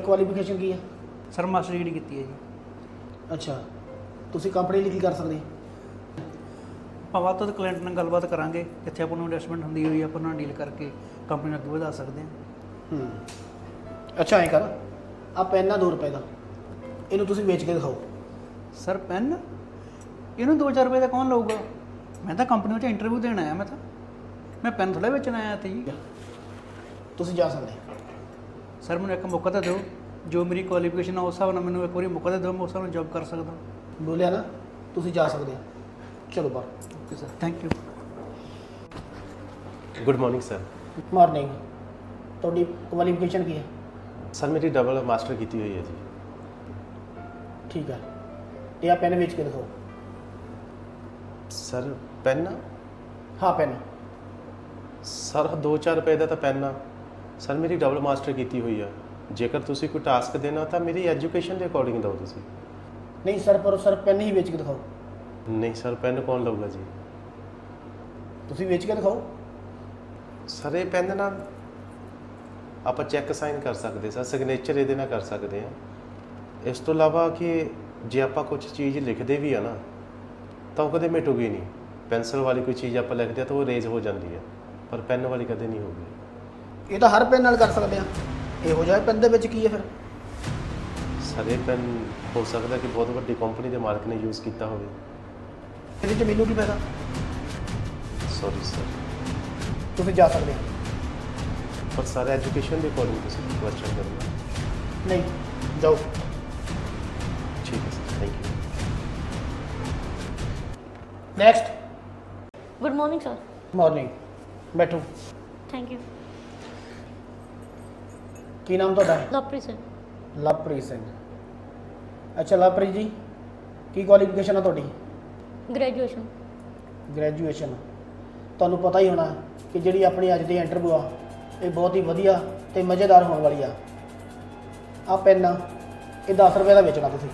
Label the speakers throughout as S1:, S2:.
S1: Qualification ਕੀ ਹੈ?
S2: Sir master degree ਕੀਤੀ ਹੈ ਜੀ।
S1: ਅੱਛਾ, ਤੁਸੀਂ ਕੰਪਨੀ ਲਈ ਕੀ ਕਰ ਸਕਦੇ?
S2: ਆਪਾਂ ਵੱਧ ਤੋਂ ਵੱਧ ਕਲਾਇੰਟ ਨਾਲ ਗੱਲਬਾਤ ਕਰਾਂਗੇ, ਜਿੱਥੇ ਆਪਾਂ ਨੂੰ ਇਨਵੈਸਟਮੈਂਟ ਹੁੰਦੀ ਹੋਈ ਆਪਾਂ ਨਾਲ ਡੀਲ ਕਰਕੇ ਕੰਪਨੀ ਨੂੰ ਅੱਗੇ ਵਧਾ ਸਕਦੇ ਹਾਂ।
S1: ਅੱਛਾ, ਐਂ ਕਰ, ਆ ਪੈਨ ਆ 2 ਰੁਪਏ ਦਾ, ਇਹਨੂੰ ਤੁਸੀਂ ਵੇਚ ਕੇ ਦਿਖਾਓ।
S2: ਸਰ ਪੈਨ ਇਹਨੂੰ 2-4 ਰੁਪਏ ਦਾ ਕੌਣ ਲਊਗਾ? ਮੈਂ ਤਾਂ ਕੰਪਨੀ ਵਿੱਚ ਇੰਟਰਵਿਊ ਦੇਣ ਆਇਆ, ਮੈਂ ਪੈਨ ਥੋੜ੍ਹਾ ਵੇਚਣ ਆਇਆ ਇੱਥੇ ਜੀ।
S1: ਤੁਸੀਂ ਜਾ ਸਕਦੇ।
S2: ਸਰ ਮੈਨੂੰ ਇੱਕ ਮੌਕਾ ਤਾਂ ਦਿਓ, ਜੋ ਮੇਰੀ ਕੁਆਲੀਫਿਕੇਸ਼ਨ ਆ ਉਸ ਹਿਸਾਬ ਨਾਲ ਮੈਨੂੰ ਇੱਕ ਵਾਰੀ ਮੌਕਾ ਤਾਂ ਦਿਓ, ਮੈਂ ਉਸ ਹਿਸਾਬ ਨਾਲ ਜੋਬ ਕਰ ਸਕਦਾ।
S1: ਬੋਲਿਆ ਨਾ, ਤੁਸੀਂ ਜਾ ਸਕਦੇ। ਚਲੋ ਬਾਹਰ।
S2: Okay sir, thank you.
S3: Good morning sir.
S1: Morning. ਤੁਹਾਡੀ ਕੁਆਲੀਫਿਕੇਸ਼ਨ ਕੀ ਹੈ?
S3: सर मेरी डबल मास्टर की हुई है जी।
S1: ਠੀਕ ਹੈ, ਇਹ ਆ ਪੈਨ ਵੇਚ ਕੇ ਦਿਖਾਓ।
S3: सर पेन
S1: ਹਾਂ ਪੈਨ।
S3: सर 2-4 रुपए का तो पेन आ सर, मेरी डबल मास्टर की हुई है। जेकर तुसी कोई टास्क देना तो मेरी एजुकेशन के अकॉर्डिंग दो तुसी।
S1: ਨਹੀਂ ਸਰ, ਪਰ ਸਰ ਪੈਨ ਹੀ ਵੇਚ ਕੇ ਦਿਖਾਓ।
S3: नहीं सर, पेन कौन लऊगा जी?
S1: ਤੁਸੀਂ ਵੇਚ ਕੇ ਦਿਖਾਓ।
S3: सर ये पेन ना आप चैक साइन कर सकते सर, सिग्नेचर ये कर सकते हैं। इस तो इलावा कि जे आप कुछ चीज़ लिखते भी है ना तो कदे मिटूगी नहीं। पेंसिल वाली कोई चीज़ आप लिखते हैं तो वो रेज हो जाती है, पर पेन वाली कदे नहीं होगी।
S1: ਇਹ ਤਾਂ ਹਰ ਪੈਨ ਨਾਲ ਕਰ ਸਕਦੇ ਆ। ਇਹੋ ਜਿਹਾ ਪੈਨ ਦੇ ਵਿੱਚ ਕੀ ਹੈ ਫਿਰ?
S3: सर ये पेन हो सकता कि बहुत बड़ी कंपनी के मालिक ने यूज़ किया हो।
S1: ਇਹਦੇ 'ਚ ਮੈਨੂੰ ਕੀ ਫਾਇਦਾ?
S3: सॉरी सर,
S1: ਤੁਸੀਂ ਜਾ ਸਕਦੇ।
S3: पर सर एजुकेशन के अकॉर्डिंग क्वेश्चन करना।
S1: ਨਹੀਂ, ਜਾਓ।
S3: ठीक है sir, thank you.
S1: Next.
S4: Good morning sir.
S1: Morning. ਬੈਠੋ।
S4: Thank you.
S1: ਕੀ ਨਾਮ ਤੁਹਾਡਾ ਹੈ?
S4: लवप्रीत सिंह।
S1: ਲਵਪ੍ਰੀਤ ਸਿੰਘ। ਅੱਛਾ ਲਵਪ੍ਰੀਤ ਜੀ, ਕੀ ਕੁਆਲੀਫਿਕੇਸ਼ਨ ਆ ਤੁਹਾਡੀ?
S4: ग्रेजुएशन।
S1: ਗ੍ਰੈਜੂਏਸ਼ਨ। ਤੁਹਾਨੂੰ ਪਤਾ ਹੀ ਹੋਣਾ ਕਿ ਜਿਹੜੀ ਆਪਣੀ ਅੱਜ ਦੀ ਇੰਟਰਵਿਊ ਆ ਇਹ ਬਹੁਤ ਹੀ ਵਧੀਆ ਤੇ ਮਜ਼ੇਦਾਰ ਹੋਣ ਵਾਲੀ ਆ। ਆ ਪੈਨ ਆ, ਇਹ 10 ਰੁਪਏ ਦਾ ਵੇਚਣਾ ਤੁਸੀਂ।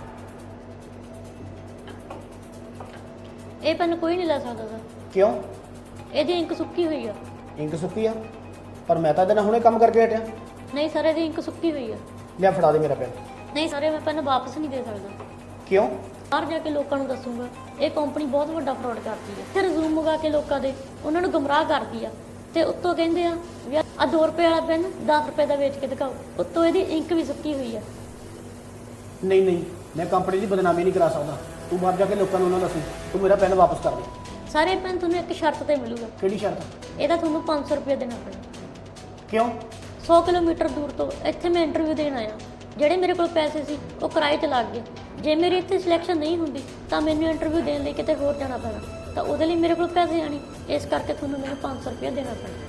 S4: ये पेन कोई नहीं ला सकता सर,
S1: ਕਿਉਂ?
S4: ਇਹਦੀ इंक सुक्की हुई है।
S1: ਇੰਕ ਸੁੱਕੀ ਆ, ਪਰ ਮੈਂ ਤਾਂ ਇਹਦੇ ਨਾਲ ਹੁਣੇ ਕੰਮ ਕਰਕੇ ਹਟਿਆ।
S4: नहीं सर, ਇਹਦੀ इंक सुक्की हुई है।
S1: ਲਿਆ ਫੜਾ ਦੇ ਮੇਰਾ ਪੈਨ।
S4: नहीं सर, मैं पेन वापस नहीं दे सकता।
S1: ਕਿਉਂ?
S4: ਬਾਹਰ ਜਾ ਕੇ ਲੋਕਾਂ ਨੂੰ ਦੱਸੂਗਾ ਇਹ ਕੰਪਨੀ ਬਹੁਤ ਵੱਡਾ ਫਰਾਡ ਕਰਦੀ ਹੈ ਤੇ ਰਿਜ਼ੂਮ ਮੰਗਾ ਕੇ ਲੋਕਾਂ ਦੇ ਉਹਨਾਂ ਨੂੰ ਗੁੰਮਰਾਹ ਕਰਦੀ ਆ ਤੇ ਉੱਤੋਂ ਕਹਿੰਦੇ ਆ ਵੀ ਆ 2 ਰੁਪਏ ਵਾਲਾ ਪੈਨ 10 ਰੁਪਏ ਦਾ ਵੇਚ ਕੇ ਦਿਖਾਓ, ਉੱਤੋਂ ਇਹਦੀ ਇੰਕ ਵੀ ਸੁੱਕੀ ਹੋਈ ਆ।
S1: ਨਹੀਂ ਨਹੀਂ, ਮੈਂ ਕੰਪਨੀ ਦੀ ਬਦਨਾਮੀ ਨਹੀਂ ਕਰਾ ਸਕਦਾ। ਤੂੰ ਬਾਹਰ ਜਾ ਕੇ ਲੋਕਾਂ ਨੂੰ ਉਹਨਾਂ ਦੱਸੀ, ਤੂੰ ਮੇਰਾ ਪੈਨ ਵਾਪਸ ਕਰ ਦੇ।
S4: ਸਾਰੇ ਪੈਨ ਤੁਹਾਨੂੰ ਇੱਕ ਸ਼ਰਤ ਤੇ ਮਿਲੂਗਾ,
S1: ਕਿਹੜੀ ਸ਼ਰਤ?
S4: ਇਹਦਾ ਤੁਹਾਨੂੰ 500 ਰੁਪਏ ਦੇਣਾ ਪੈਣਾ।
S1: ਕਿਉਂ?
S4: 100 ਕਿਲੋਮੀਟਰ ਦੂਰ ਤੋਂ ਇੱਥੇ ਮੈਂ ਇੰਟਰਵਿਊ ਦੇਣ ਆਇਆ, ਜਿਹੜੇ ਮੇਰੇ ਕੋਲ ਪੈਸੇ ਸੀ ਉਹ ਕਿਰਾਏ 'ਤੇ ਲੱਗ ਗਏ। ਜੇ ਮੇਰੀ ਇੱਥੇ ਸਿਲੈਕਸ਼ਨ ਨਹੀਂ ਹੁੰਦੀ ਤਾਂ ਮੈਨੂੰ ਇੰਟਰਵਿਊ ਦੇਣ ਲਈ ਕਿਤੇ ਹੋਰ ਜਾਣਾ ਪੈਣਾ, ਤਾਂ ਉਹਦੇ ਲਈ ਮੇਰੇ ਕੋਲ ਪੈਸੇ ਆਣੀ, ਇਸ ਕਰਕੇ ਤੁਹਾਨੂੰ ਮੈਨੂੰ 500 ਰੁਪਏ ਦੇਣਾ ਪੈਣਾ।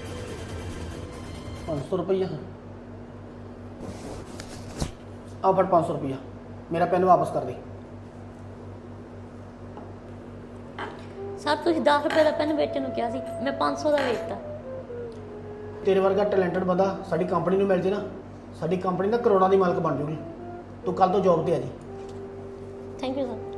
S1: 500 ਰੁਪਈਆ? ਆ ਫੜ 500 ਰੁਪਈਆ, ਮੇਰਾ ਪੈਨ ਵਾਪਸ ਕਰ ਦੇ।
S4: ਸਰ ਤੁਸੀਂ 10 ਰੁਪਏ ਦਾ ਪੈਨ ਵੇਚਣ ਨੂੰ ਕਿਹਾ ਸੀ, ਮੈਂ 500 ਦਾ ਵੇਚਤਾ।
S1: ਤੇਰੇ ਵਰਗਾ ਟੈਲੈਂਟਡ ਬੰਦਾ ਸਾਡੀ ਕੰਪਨੀ ਨੂੰ ਮਿਲ ਜੇ ਨਾ, ਸਾਡੀ ਕੰਪਨੀ ਦਾ ਕਰੋੜਾਂ ਦੀ ਮਾਲਕ ਬਣ ਜੂਗੀ। ਤੂੰ ਕੱਲ ਤੋਂ ਜੌਬ ਤੇ ਆ ਜੀ।
S4: Thank you sir.